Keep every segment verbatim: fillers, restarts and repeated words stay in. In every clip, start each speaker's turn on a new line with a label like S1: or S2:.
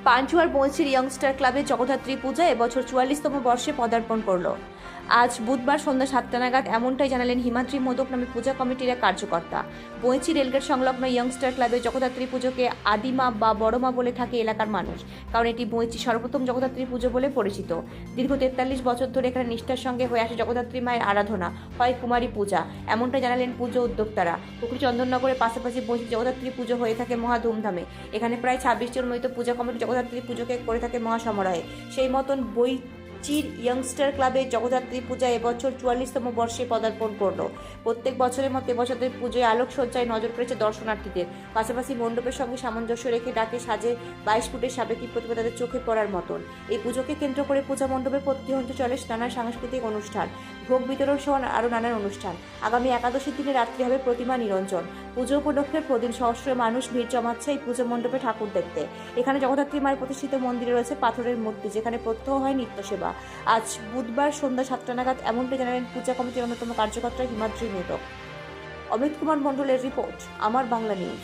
S1: পাঞ্চুয়ার বঞ্চির ইয়ংস্টার ক্লাবে জগদ্ধাত্রী পূজা এবছর চুয়াল্লিশতম বর্ষে পদার্পণ করল। আজ বুধবার সন্ধ্যা সাতটা নাগাদ এমনটাই জানালেন হিমাদ্রি মোদক নামে পূজা কমিটির এক কার্যকর্তা। বঞ্চি রেলগেট সংলগ্ন ইয়ংস্টার ক্লাবে জগদ্ধাত্রী পুজোকে আদিমা বা বড়মা বলে থাকে এলাকার মানুষ, কারণ এটি বঞ্চি সর্বপ্রথম জগদ্ধাত্রী পুজো বলে পরিচিত। দীর্ঘ তেতাল্লিশ বছর ধরে এখানে নিষ্ঠার সঙ্গে হয়ে আসে জগদ্ধাত্রী মায়ের আরাধনা, হয় কুমারী পূজা। এমনটাই জানালেন পুজো উদ্যোক্তারা। পুকুরি চন্দননগরের পাশাপাশি বঞ্চি জগদ্ধাত্রী পুজো হয়ে থাকে মহা ধুমধামে। এখানে প্রায় ছাব্বিশ জন মৃত পূজা কমিটি জগদ্ধাত্রী পুজোকে করে থাকে মহাসমারোহে। সেই মতন বই চির ইয়ংস্টার ক্লাবে জগদ্ধাত্রী পূজা এবছর চুয়াল্লিশতম বর্ষে পদার্পণ করল। প্রত্যেক বছরের মতো এবছরের পুজোয় আলোকসজ্জায় নজর পড়েছে দর্শনার্থীদের। পাশাপাশি মণ্ডপের সঙ্গে সামঞ্জস্য রেখে ডাকে সাজে বাইশ ফুটের সাবেকি প্রতিভা তাদের চোখে পড়ার মতন। এই পুজোকে কেন্দ্র করে পূজা মণ্ডপে প্রতিহন্ত চলে নানা সাংস্কৃতিক অনুষ্ঠান, ভোগ বিতরণ সহ আরও নানান অনুষ্ঠান। আগামী একাদশীর দিনে রাত্রি হবে প্রতিমা নিরঞ্জন। পুজো উপলক্ষে প্রতিদিন সহস্র মানুষ ভিড় জমাচ্ছে এই পুজো মণ্ডপে ঠাকুর দেখতে। এখানে জগদ্ধাত্রী মায়ের প্রতিষ্ঠিত মন্দিরে রয়েছে পাথরের মূর্তি, যেখানে প্রত্যহ হয় নিত্য সেবা। আজ বুধবার সন্ধ্যা সাতটা নাগাদ এমনটাই জানালেন পূজা কমিটির অন্যতম কার্যকর্তা হিমাদ্রি মোদক। অমিত কুমার মণ্ডলের রিপোর্ট, আমার বাংলা নিউজ।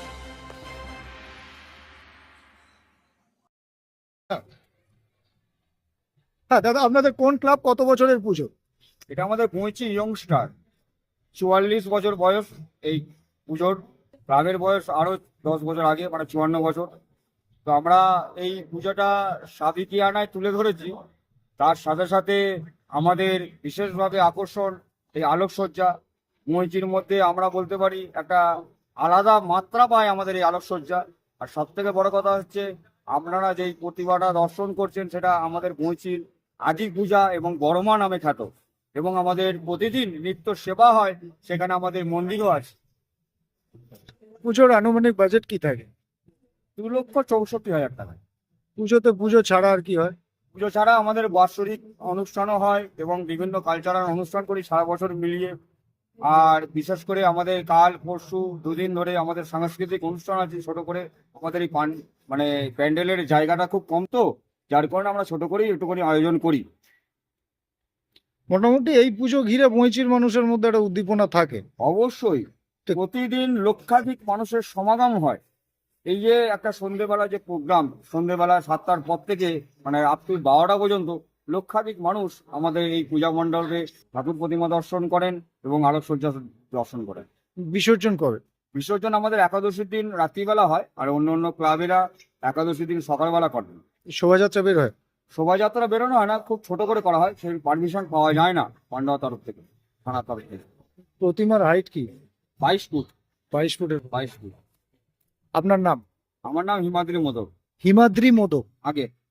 S2: হ্যাঁ দাদা, আপনাদের কোন ক্লাব, কত বছরের পুজো?
S3: এটা আমাদের বঞ্চি ইয়ংস্টার, চুয়াল্লিশ বছর বয়স এই পুজোর। ক্লাবের বয়স আরো দশ বছর আগে, মানে চুয়ান্ন বছর। তো আমরা এই পুজোটা সাবিকিয়ানায় তুলে ধরেছি। তার সাথে সাথে আমাদের বিশেষভাবে আকর্ষণ এই আলোকসজ্জা। বঞ্চির মধ্যে আমরা বলতে পারি একটা আলাদা মাত্রা পায় আমাদের এই আলোকসজ্জা। আর সব থেকে বড় কথা হচ্ছে, আপনারা যেই প্রতিভাটা দর্শন করছেন সেটা আমাদের বঞ্চির আদি পূজা এবং বড়মা নামে খ্যাত। এবং আমাদের প্রতিদিন নিত্য সেবা হয়, সেখানে আমাদের মন্দিরও আছে।
S2: পুজোর আনুমানিক বাজেট কি থাকে?
S3: দু লক্ষ চৌষট্টি হাজার টাকা।
S2: পুজোতে পুজো ছাড়া আর কি হয়?
S3: পুজো ছাড়া আমাদের বাৎসরিক অনুষ্ঠানও হয় এবং বিভিন্ন কালচারাল অনুষ্ঠান করি সারা বছর মিলিয়ে। আর বিশেষ করে আমাদের কাল পরশু দুদিন ধরে আমাদের সাংস্কৃতিক অনুষ্ঠান আছে ছোট করে। আমাদের এই পান মানে প্যান্ডেলের জায়গাটা খুব কম, তো যার কারণে আমরা ছোট করেই একটু করে আয়োজন করি।
S2: মোটামুটি এই পুজো ঘিরে বঞ্চির মানুষের মধ্যে একটা উদ্দীপনা থাকে।
S3: অবশ্যই প্রতিদিন লক্ষাধিক মানুষের সমাগম হয়। এই যে একটা সন্ধ্যেবেলা যে প্রোগ্রাম, সন্ধ্যেবেলা সাতটার পর থেকে মানে রাত্রি বারোটা পর্যন্ত লক্ষাধিক মানুষ আমাদের এই পূজা মণ্ডপে ঠাকুর প্রতিমা দর্শন করেন এবং আলোকসজ্জা দর্শন করেন।
S2: বিসর্জন করে?
S3: বিসর্জন আমাদের একাদশীর দিন রাত্রিবেলা হয়, আর অন্য অন্য ক্লাবেরা একাদশীর দিন সকালবেলা করেন।
S2: শোভাযাত্রা বের হয়?
S3: শোভাযাত্রা বেরোনো হয় না, খুব ছোট করে করা হয়, সেই পারমিশন পাওয়া যায় না পান্ডার তরফ থেকে, থানার তরফ থেকে।
S2: প্রতিমার হাইট কি?
S3: বাইশ ফুট।
S2: বাইশ ফুটের?
S3: বাইশ ফুট।
S2: আপনার নাম?
S3: আমার নাম হিমাদ্রি মোদক।
S2: হিমাদ্রি মোদক।
S3: আগে